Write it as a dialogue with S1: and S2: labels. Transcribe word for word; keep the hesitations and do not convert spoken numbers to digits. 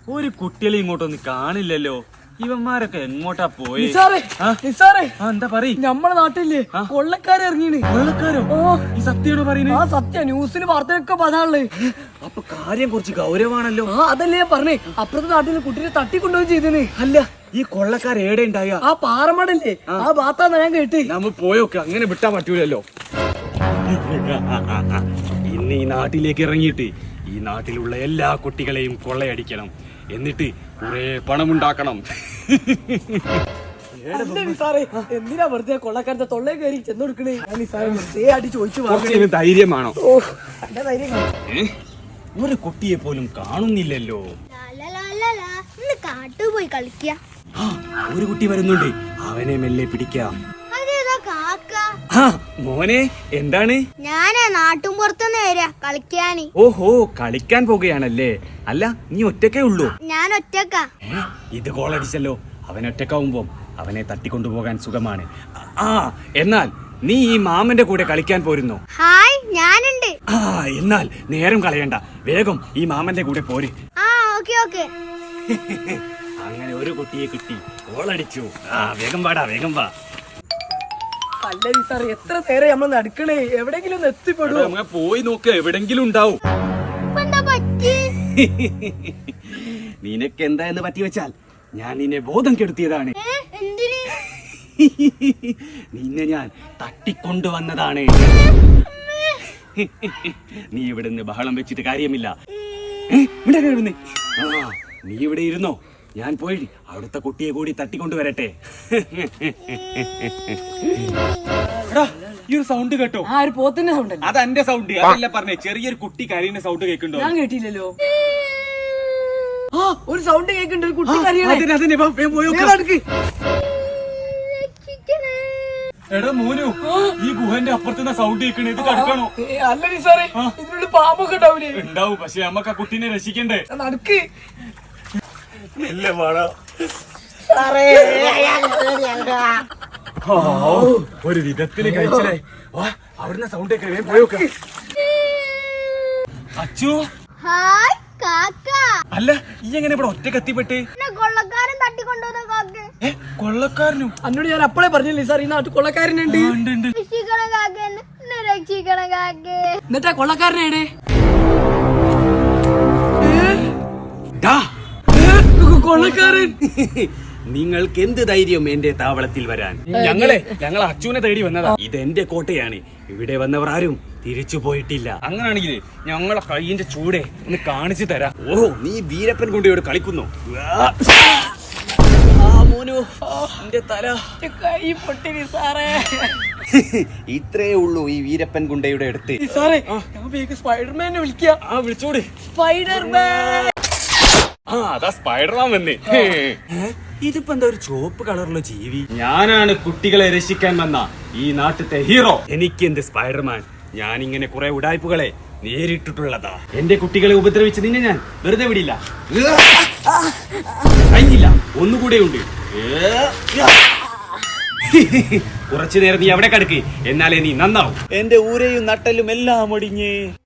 S1: ഒരു കുട്ടികളെ ഇങ്ങോട്ടൊന്നും കാണില്ലല്ലോ. ഇവന്മാരൊക്കെ എങ്ങോട്ടാ പോയി? എന്താ പറയും?
S2: നമ്മളെ നാട്ടില് കൊള്ളക്കാരെ ഇറങ്ങിയാണ്.
S1: കൊള്ളക്കാരോ? ഈ സത്യമാണോ പറയുന്നത്?
S2: ആ സത്യ, ന്യൂസിൽ വാർത്തയൊക്കെ പതാണല്ലേ.
S1: അപ്പൊ കാര്യം കുറച്ച് ഗൗരവാണല്ലോ.
S2: ആ അതല്ലേ ഞാൻ പറഞ്ഞേ, അപ്പുറത്തെ നാട്ടിൽ കുട്ടീനെ തട്ടിക്കൊണ്ടുപോയി ചെയ്തേ.
S1: അല്ല, ഈ കൊള്ളക്കാർ ഏടെ ഉണ്ടായ?
S2: ആ പാറമടല്ലേ, ആ ഭാത്താന്ന് ഞാൻ കേട്ട്.
S1: നമ്മ പോയോക്കെ, അങ്ങനെ വിട്ടാ പറ്റൂലല്ലോ. ഇന്ന് ഈ നാട്ടിലേക്ക് ഇറങ്ങിയിട്ട് ഈ നാട്ടിലുള്ള എല്ലാ കുട്ടികളെയും കൊള്ളയടിക്കണം, എന്നിട്ട് കുറെ പണമുണ്ടാക്കണം.
S2: എന്തിനാ വെറുതെ കൊള്ളക്കാരത്തെ തൊള്ളേ കയറി ചെന്ന് കൊടുക്കണേ? വെറുതെ അടി ചോദിച്ചു.
S1: ധൈര്യമാണോ?
S2: ധൈര്യം.
S1: ഒരു കുട്ടിയെ പോലും കാണുന്നില്ലല്ലോ.
S3: കാട്ടുപോയി കളിക്ക.
S1: ഒരു കുട്ടി വരുന്നുണ്ട്, അവനെ മെല്ലെ പിടിക്കാം. മോനെ, എന്താണ്?
S3: ഞാനേ നാട്ടും പുറത്തുനിന്ന് വരാ കളിക്കാന്.
S1: ഓഹോ, കളിക്കാൻ പോകുകയാണല്ലേ. അല്ല, നീ ഒറ്റക്കേ ഉള്ളൂ?
S3: ഞാൻ ഒറ്റക്കാ.
S1: ഇത് കോളടിച്ചല്ലോ. അവൻ ഒറ്റക്കാവുമ്പോ അവനെ തട്ടിക്കൊണ്ടുപോകാൻ സുഖമാണ്. ആ, എന്നാൽ നീ ഈ മാമന്റെ കൂടെ കളിക്കാൻ പോരുന്നോ?
S3: ഹായ്, ഞാനുണ്ട്.
S1: ആ, എന്നാൽ നേരം കളയണ്ട, വേഗം ഈ മാമന്റെ കൂടെ പോര്.
S3: ആ, ഓക്കെ ഓക്കെ.
S1: അങ്ങനെ ഒരു കുട്ടിയെ കിട്ടി, കോളടിച്ചു. ആ, വേഗം വാടാ, വേഗം വാ.
S2: അല്ല സാർ, എത്ര നേരം നമ്മൾ നടക്കണേ? എവിടെങ്കിലും ഒന്ന് എത്തിപ്പെടും.
S1: പോയി നോക്ക്, എവിടെങ്കിലും ഉണ്ടാവും. നിനക്ക് എന്താ എന്ന് പറ്റി വെച്ചാൽ ഞാൻ നിന്നെ ബോധം കെടുത്തിയതാണ്. നിന്നെ ഞാൻ തട്ടിക്കൊണ്ടുവന്നതാണ്. നീ ഇവിടുന്ന് ബഹളം വെച്ചിട്ട് കാര്യമില്ല. ആ, നീ ഇവിടെ ഇരുന്നോ, ഞാൻ പോയി അവിടുത്തെ കുട്ടിയെ കൂടി തട്ടിക്കൊണ്ടുവരട്ടെ. ഈ ഒരു സൗണ്ട് കേട്ടോ?
S2: ആ ഒരു പോത്തിന്റെ സൗണ്ട്.
S1: അത് എന്റെ സൗണ്ട് അതല്ല പറഞ്ഞേ, ചെറിയൊരു കുട്ടി കരയുന്ന സൗണ്ട് കേൾക്കുന്നുണ്ടോ?
S2: ഞാൻ കേട്ടില്ലല്ലോ. ആ, ഒരു സൗണ്ട് കേൾക്കുന്നുണ്ട്, ഒരു കുട്ടി കരയണേ.
S1: എടാ മോനു, ഈ ഗുഹന്റെ അപ്പുറത്തുനിന്ന് സൗണ്ട് കേൾക്കണേ, ഇത് കടക്കണോ?
S2: അല്ല സാറേ, ഇതിനുള്ളിൽ പാമ്പൊക്കെ ഉണ്ടാവില്ലേ?
S1: ഉണ്ടാവും, പക്ഷെ നമ്മക്ക് ആ കുട്ടീനെ രക്ഷിക്കണ്ടേ.
S2: നടക്ക്.
S1: ഒരു വിധത്തില് കഴിച്ചേ. അവിടുന്ന് സൗണ്ട് കേൾക്കണേ, പോയോക്ക. അച്ചു.
S3: ഹായ് കാക്ക.
S1: അല്ല, ഈ എങ്ങനെ ഇവിടെ ഒറ്റ കത്തിപ്പെട്ട്?
S3: കൊള്ളക്കാരൻ തട്ടിക്കൊണ്ടുവന്ന കാക്ക.
S1: കൊള്ളക്കാരനും?
S2: അന്നോട് ഞാൻ അപ്പോഴേ പറഞ്ഞില്ലേ സാർ, ഈ നാട്ടിൽ കൊള്ളക്കാരനുണ്ട്.
S3: രക്ഷിക്കണം കാക്ക, രക്ഷിക്കണം കാക്ക.
S2: എന്നിട്ടാ കൊള്ളക്കാരനേടെ? കൊള്ളക്കാരൻ.
S1: നിങ്ങൾക്ക് എന്ത് ധൈര്യം എന്റെ താവളത്തിൽ വരാൻ? ഞങ്ങളെ ഞങ്ങൾ അച്ഛനെ തേടി വന്നതാ. ഇതെന്റെ കോട്ടയാണ്, ഇവിടെ വന്നവർ ആരും തിരിച്ചു പോയിട്ടില്ല. അങ്ങനാണെങ്കിൽ ഞങ്ങളെ കൈയിന്റെ ചൂടെ ഒന്ന് കാണിച്ചു തരാം. ഓഹോ, നീ വീരപ്പൻ കൊണ്ടയോട് കളിക്കുന്നു. തല
S2: കൈ പൊട്ടി സാറേ.
S1: ഇത്രേ ഉള്ളൂ ഈ വീരപ്പൻ ഗുണ്ടയുടെ അടുത്ത്.
S2: സാറേ, സ്പൈഡർമാനെ വിളിക്കാം.
S1: ആ, വിളിച്ചോട്.
S2: സ്പൈഡർമാൻ.
S1: ആ, അതാ സ്പൈഡർമാൻ വന്നേ. ഇതിപ്പോ എന്താ ഒരു ചുവപ്പ് കളറുള്ള ജീവി? ഞാനാണ് കുട്ടികളെ രക്ഷിക്കാൻ വന്ന ഈ നാട്ടിലത്തെ ഹീറോ. എനിക്കെന്ത് സ്പൈഡർമാൻ, ഞാൻ ഇങ്ങനെ കുറെ ഉടായ്പുകളെ നേരിട്ടിട്ടുള്ളതാ. എന്റെ കുട്ടികളെ ഉപദ്രവിച്ച് നിന്നെ ഞാൻ വെറുതെ വിടില്ല. കഴിഞ്ഞില്ല, ഒന്നുകൂടെ ഉണ്ട്. കുറച്ചു നേരം നീ അവിടെ കിടക്ക്, എന്നാലേ നീ നന്നാവും. എന്റെ ഊരയും നട്ടലും എല്ലാം ഒടിഞ്ഞേ.